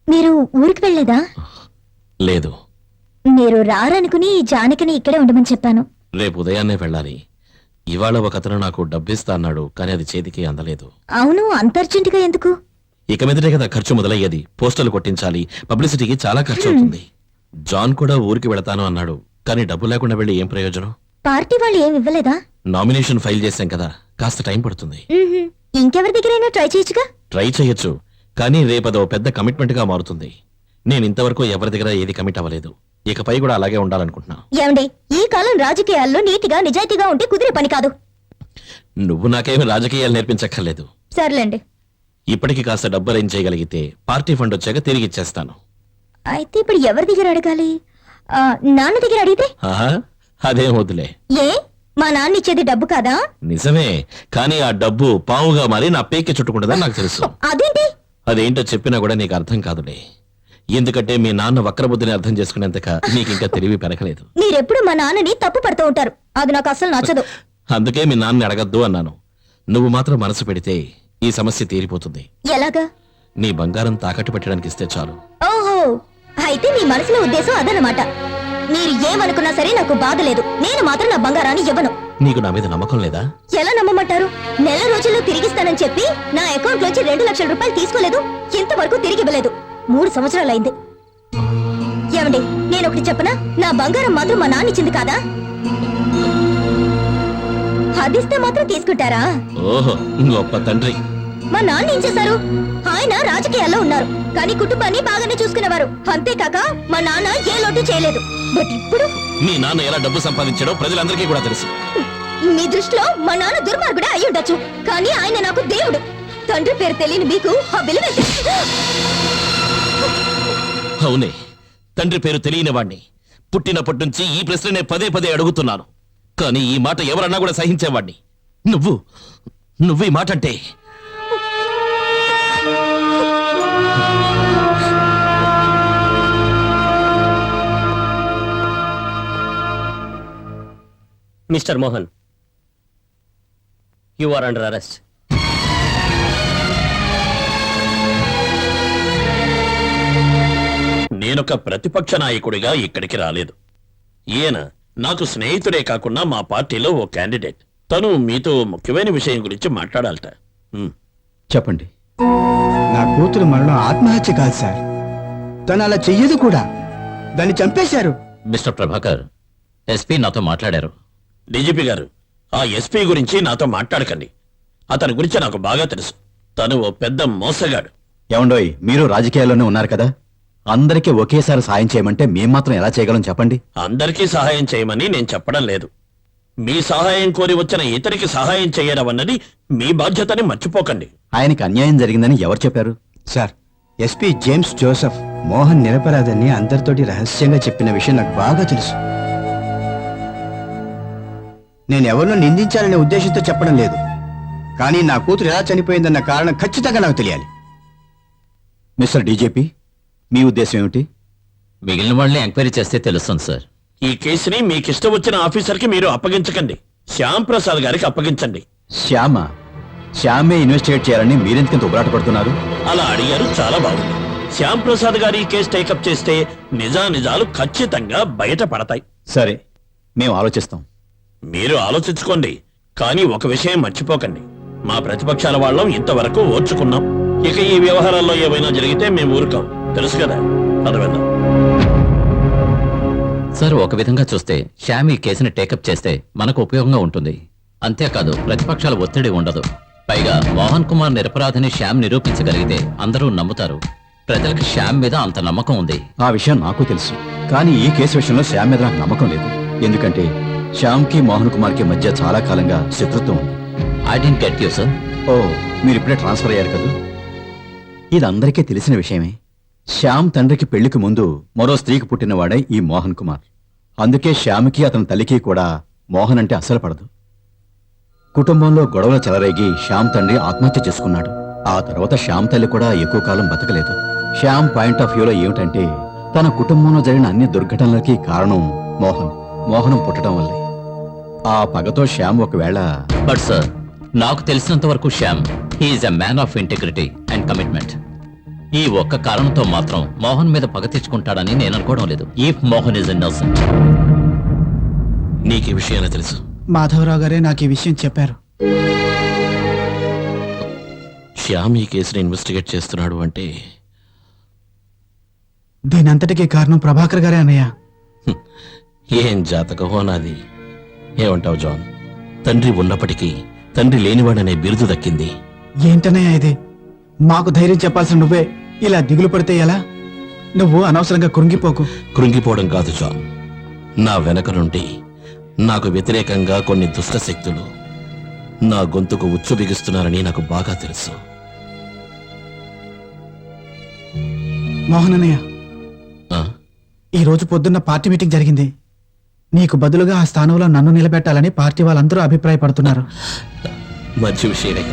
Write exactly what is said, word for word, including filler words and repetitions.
మీరు ఊరికి వెళ్ళలేదా? లేదు. మీరు రారనుకుని జానకిని ఇక్కడే ఉండమని చెప్పాను. రేపు ఉదయాన్నే వెళ్ళాలి. ఇవాళ ఒక అతను నాకు డబ్బిస్తా అన్నాడు, కానీ అది చేతికి అందలేదు. అవును, అంత అర్జెంటుగా ఎందుకు? ఇక మీదటే కదా ఖర్చు మొదలయ్యేది. పోస్టర్లు కొట్టించాలి, పబ్లిసిటీకి చాలా ఖర్చు అవుతుంది. జాన్ కూడా ఊరికి వెళతాను అన్నాడు, కానీ డబ్బు లేకుండా వెళ్ళి ఏం ప్రయోజనం? పార్టీ వాళ్ళు ఏమి ఇవ్వలేదా? నామినేషన్ ఫైల్ చేశాం కదా, కాస్త టైం పడుతుంది. మ్మ్హ్మ్. ఇంకెవరి దగ్గరైనా ట్రై చేయొచ్చుగా. ట్రై చేయొచ్చు, కానీ రేపదో పెద్ద కమిట్మెంట్ గా మారుతుంది. నేను ఇంతవరకు ఎవరి దగ్గర ఏది కమిట్ అవ్వలేదు. ఇకపై కూడా అలాగే ఉండాలనుకుంటున్నా. ఏమండి, ఈ కాలం రాజకీయాల్లో నీతిగా నిజాయితీగా ఉంటే కుదిరే పని కాదు. నువ్వు నాకేమి రాజకీయాలు నేర్పించక్కర్లేదు. సర్లేండి. ఇప్పటికి కాస్త డబ్బు అరేంజ్ చేయగలిగితే పార్టీ ఫండ్ వచ్చాక తిరిగి ఇచ్చేస్తాను. అయితే ఇప్పుడు ఎవరి దగ్గర అడగాలి? ఆ, నాన్న దగ్గర అడిగితే? ఆహా, అదేం వద్దులే. ఏ, మా నాన్న ఇచ్చేది డబ్బు కాదా? నిజమే, కానీ ఆ డబ్బు పావుగా మారి నా పేకి చుట్టుకుంటుందని నాకు తెలుసు. అదేంటి? అదేంటో చెప్పినా కూడా నీకు అర్థం కాదులే. ఎందుకంటే మీ నాన్న వక్రబుద్ధిని అర్థం చేసుకునేంతక నీకు ఇంకా తెలివి పెరగలేదు. మీరెప్పుడు మా నాన్నని తప్పు పడుతూ ఉంటారు, అది నాకు అసలు నచ్చదు. అందుకే మీ నాన్నని అడగద్దు అన్నాను. నువ్వు మాత్రం మనసు పెడితే ఈ సమస్య తీరిపోతుంది. ఎలాగా? నీ బంగారం తాకట్టు పెట్టడానికి ఇస్తే చాలు. ఓహో, అయితే మీ మనసులో ఉద్దేశం అదనమాట. మీరు ఏమనుకున్నా సరే నాకు బాధ లేదు. నేను మాత్రం నా బంగారాన్ని ఇవ్వను. నీకు నా మీద నమ్మకం లేదా? ఎలా నమ్మమంటారు? నెల రోజుల్లో తిరిగిస్తానని చెప్పి నా అకౌంట్ లోంచి రెండు లక్షల రూపాయలు తీసుకోలేదు, ఇంతవరకు తిరిగి ఇవ్వలేదు. మూడు సంవత్సరాలైంది. ఏమండి, నేను ఒకటి చెప్పనా? నా బంగారం మాత్రం మా నాన్న ఇచ్చింది కాదా? అదిస్తే మాత్రం తీసుకుంటారా? ఓహో, గొప్ప తండ్రి. మా నాన్న ఏం చేశారు? ఆయన రాజకీయాల్లో ఉన్నారు, కానీ కుటుంబాన్ని బాగానే చూసుకునేవారు. అంతేకాక మా నాన్న ఏ లోటు చేయలేదు. బట్ ఇప్పుడు మీ నాన్న ఎలా డబ్బు సంపాదించాడో ప్రజలందరికీ కూడా తెలుసు. మీ దృష్టిలో మా నాన్న దుర్మార్గుడే అయి ఉండొచ్చు, కానీ ఆయన నాకు దేవుడు. తండ్రి పేరు తెలియని మీకు ఆ విలువ అవునే, తండ్రి పేరు తెలియని వాణ్ణి. పుట్టినప్పటి నుంచి ఈ ప్రశ్ననే పదే పదే అడుగుతున్నాను, కానీ ఈ మాట ఎవరన్నా కూడా సహించేవాణ్ణి. నువ్వు నువ్వు ఈ మాట అంటే mister Mohan, you are under arrest. నేనొక ప్రతిపక్ష నాయకుడిగా ఇక్కడికి రాలేదు. ఈయన నాకు స్నేహితుడే కాకుండా మా పార్టీలో ఓ క్యాండిడేట్. తను మీతో ముఖ్యమైన విషయం గురించి మాట్లాడాలట. హ్మ్. చెప్పండి. నా కూతురు మరణం ఆత్మహత్య కాదు సార్, తను అలా చెయ్యదు కూడా. దాన్ని చంపేశారు. మిస్టర్ ప్రభాకర్, ఎస్పీ నాతో మాట్లాడారు. డీజీపీ గారు, ఆ ఎస్పీ గురించి నాతో మాట్లాడకండి. అతని గురించి నాకు బాగా తెలుసు. తను ఓ పెద్ద మోసగాడు. ఏమండోయ్, మీరు రాజకీయాల్లోనే ఉన్నారు కదా, అందరికీ ఒకేసారి సాయం చేయమంటే మేం మాత్రం ఎలా చేయగలం చెప్పండి. అందరికీ సహాయం చేయమని నేను చెప్పడం లేదు. మీ సహాయం కోరి వచ్చిన ఇతరికి సహాయం చేయడం అన్నది మీ బాధ్యతని మర్చిపోకండి. ఆయనకి అన్యాయం జరిగిందని ఎవరు చెప్పారు? Sir, SP James Joseph Mohan నిరపరాధని అందరితోటి రహస్యంగా చెప్పిన విషయం నాకు బాగా తెలుసు. నేను ఎవరినో నిందించాలనే ఉద్దేశంతో చెప్పడం లేదు, కానీ నా కూతురు ఎలా చనిపోయిందన్న కారణం ఖచ్చితంగా నాకు తెలియాలి. మిస్టర్ డీజీపీ, మీ ఉద్దేశం ఏమిటి? మిగిలిన వాళ్ళని ఎంక్వైరీ చేస్తే తెలుస్తుంది సార్. ఈ కేసుని మీకిష్టం వచ్చిన ఆఫీసర్కి మీరు అప్పగించకండి. శ్యామ్ ప్రసాద్ గారికి అప్పగించండి. శ్యామ శ్యామే ఇన్వెస్టిగేట్ చేయాలని మీరెందుకంత ఉబరాట పడుతున్నారు? అలా అడిగారు, చాలా బాగుంది. శ్యామ్ ప్రసాద్ గారి ఈ కేసు టేకప్ చేస్తే నిజానిజాలు ఖచ్చితంగా బయటపడతాయి. సరే, మేము ఆలోచిస్తాం. మీరు ఆలోచించుకోండి, కానీ ఒక విషయం మర్చిపోకండి. మా ప్రతిపక్షాల వాళ్ళం ఇంతవరకు ఓర్చుకున్నాం. ఇక ఈ వ్యవహారాల్లో ఏమైనా జరిగితే మేము ఊరుకాం, తెలుసు కదా. అదవెందా సార్, ఒక విధంగా చూస్తే శ్యామ్ ఈ కేసుని టేకప్ చేస్తే మనకు ఉపయోగంగా ఉంటుంది. అంతేకాదు, ప్రతిపక్షాల ఒత్తిడి ఉండదు. పైగా మోహన్ కుమార్ నిరపరాధిని శ్యామ్ నిరూపించగలిగితే అందరూ నమ్ముతారు. ప్రజలకు శ్యామ్ మీద అంత నమ్మకం ఉంది. ఆ విషయం నాకు తెలుసు, కానీ ఈ కేసు విషయంలో శ్యామ్ మీద నాకు నమ్మకం లేదు. ఎందుకంటే శ్యామ్ కి మోహన్ కుమార్ కి మధ్య చాలా కాలంగా శత్రుత్వం ఉంది. I didn't get you sir. ఓ, మీరు ఇప్పుడే ట్రాన్స్ఫర్ అయ్యారు కదా. ఇది అందరికీ తెలిసిన విషయమే. శ్యామ్ తండ్రికి పెళ్లికి ముందు మరో స్త్రీకి పుట్టినవాడే ఈ మోహన్ కుమార్. అందుకే శ్యామ్కి అతని తల్లికి కూడా మోహన్ అంటే అస్సలు పడదు. కుటుంబంలో గొడవలు చెలరేగి శ్యామ్ తండ్రి ఆత్మహత్య చేసుకున్నాడు. ఆ తర్వాత శ్యామ్ తల్లి కూడా ఎక్కువ కాలం బతకలేదు. శ్యామ్ పాయింట్ ఆఫ్ వ్యూలో ఏమిటంటే, తన కుటుంబంలో జరిగిన అన్ని దుర్ఘటనలకి కారణం మోహన్ మోహనం పుట్టడం వల్లే. ఆ పగతో శ్యామ్ ఒకవేళ... బట్ సార్, నాకు తెలిసినంత వరకు Shyam he is a man of integrity and commitment. ఈ ఒక్క కారణంతో మాత్రం మోహన్ మీద పగ తెచ్చుకుంటాడని నేను అనుకోవడం లేదు. If Mohan is innocent. నీకు ఈ విషయాన్ని తెలుసు? మాధవరావు గారే నాకు ఈ విషయం చెప్పారు. శ్యామ్ ఈ కేసుని ఇన్వెస్టిగేట్ చేస్తున్నాడు అంటే దీనంతటికీ కారణం ప్రభాకర్ గారే అన్నయ్య. హ్మ్, ఏం జాతకమో నాది. ఏమంటావు జాన్? తండ్రి ఉన్నప్పటికీ తండ్రి లేనివాడనే బిరుదు దక్కింది. ఏంటన్నయ్య ఇది? మాకు ధైర్యం చెప్పాల్సిన నువ్వే ఇలా దిగులు పడితే ఎలా? నువ్వు అనవసరంగా కృంగిపోకు. కృంగిపోవడం కాదు జాన్, నా వెనక నుండి నాకు వ్యతిరేకంగా కొన్ని దుష్ట శక్తులు నా గొంతుకు ఉచ్చు బిగిస్తున్నారని నాకు బాగా తెలుసు. మోహన్ అన్నయ్య, ఆ? ఈ రోజు పొద్దున్న పార్టీ మీటింగ్ జరిగింది. నీకు బదులుగా ఆ స్థానంలో నన్ను నిలబెట్టాలని పార్టీ వాళ్ళందరూ అభిప్రాయపడుతున్నారు. మంచి విషయమే.